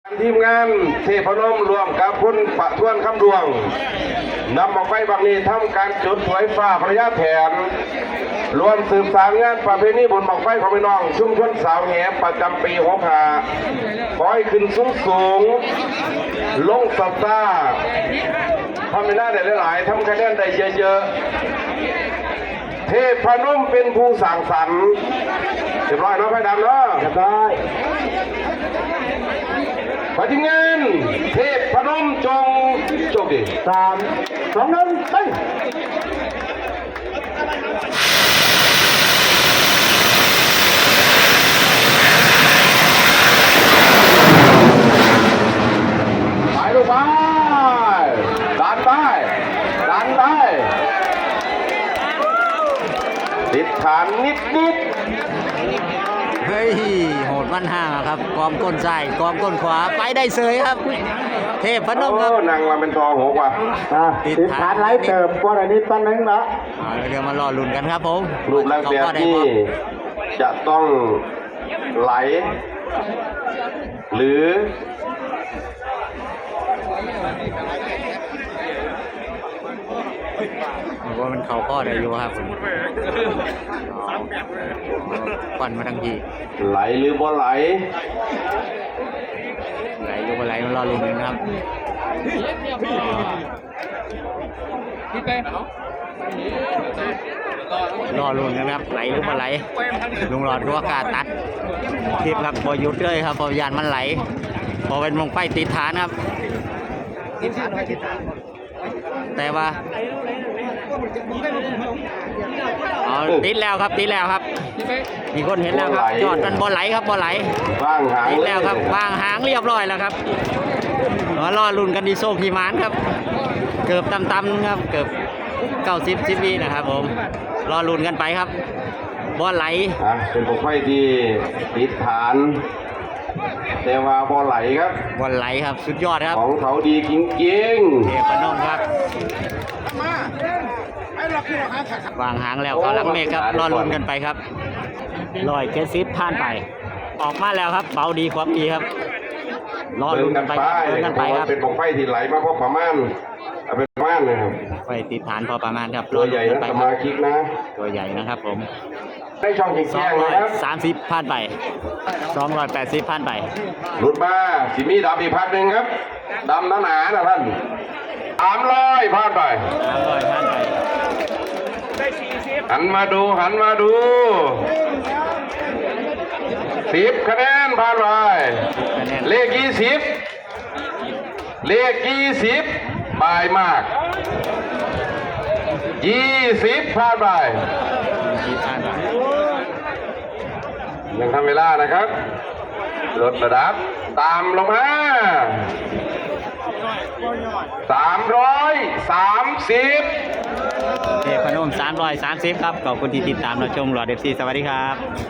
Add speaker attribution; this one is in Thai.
Speaker 1: ทีมงานเทพนมรวมกับคุณประทวนคำดวงนำออกไปบางนี้ทำการจุดถวยฟ้าพระยาแถนรวมสืบสานงานประเพณีบุญบั้งไฟของพี่น้องชุมชนสาวแหประจำปี65ขอให้ขึ้นสูงลงสัปดาห์ทำไม่ได้หลายๆทำคะแนนได้เยอะๆเทพนมเป็นผู้สั่งสรรค์เรียบร้อยเนาะไฟดำเนาะเรียบร้อยปฏิเงินเทพพนมจงโชคดี3 2 1ไปลูกไปดันไปติดฐานนิด
Speaker 2: เฮ้ยโหดมันห่างครับกองก้นซ้ายกองก้นขวาไปได้เสยครับเทพพนมครับ
Speaker 1: นางมาเป็นทองหัวกว่า
Speaker 3: ติดฐานไหลเติบกว่าอันนี้ตั้งนึงละ
Speaker 2: เดี๋ยวมารอลุ้นกันครับผม
Speaker 1: รูปร่างแบบนี้จะต้องไหลหรือ
Speaker 2: ว่ามันเข่าข้อได้อยู่ครับปั่นมาทั้งที
Speaker 1: ไหลหรือบ่ไหล
Speaker 2: หรือบ่ไหลรอลุ้นกันครับรอลุ้นกันครับไหลหรือบ่ไหลลุงหลอดก็ว่ากาตัดคลิปครับพอหยุดเลยครับพอยานมันไหลพอเป็นวงไฟติดฐานครับแต่ว่าติดแล้วครับมีคนเห็นแล้วครับจอดมันบอลไหลครับบอลไหลติดแล้วครับวางหางเรียบร้อยแล้วครับมารอลุ้นกันดีโซ่พีมานครับเกือบต่ำๆครับเกือบ90 วินะครับผมรอลุ้นกันไปครับบอลไหล
Speaker 1: เป็นพวกไฟที่ติดฐานแต่ว่าบอลไหลครับ
Speaker 2: บอลไหลครับสุดยอดครับ
Speaker 1: ของเขาดีจริงๆ
Speaker 2: เทพนมครับวางหางแล้วเขาลักเมฆครับรอลุ้นกันไปครับ170ผ่านไปออกมาแล้วครับเบาดีความดีครับรอลุ้นกันไป
Speaker 1: ครับเป็นพวกไฟที่ไหลมาพอประมาณเป็นประมาณนะครับ
Speaker 2: ไฟติดฐานพอประมาณครับ
Speaker 1: ตัวใหญ่นะสมาชิกนะ
Speaker 2: ตัวใหญ่นะครับผม
Speaker 1: ได้ช่องจริงๆนะครับ
Speaker 2: 30ผ่านไป280ผ่านไป
Speaker 1: หลุดมาสิมีดำอีกพันหนึ่งครับดำหนานะท่าน300ผ่านไป
Speaker 2: 300ผ่านไป
Speaker 1: หันมาดู10 คะแนนผ่านไปเลข20บายมาก20ผ่านไปยังทำเวลานะครับลดระดับตามลงมา330
Speaker 2: เทพนม330ครับขอบคุณที่ติดตามเราชมหลอดFCสวัสดีครับ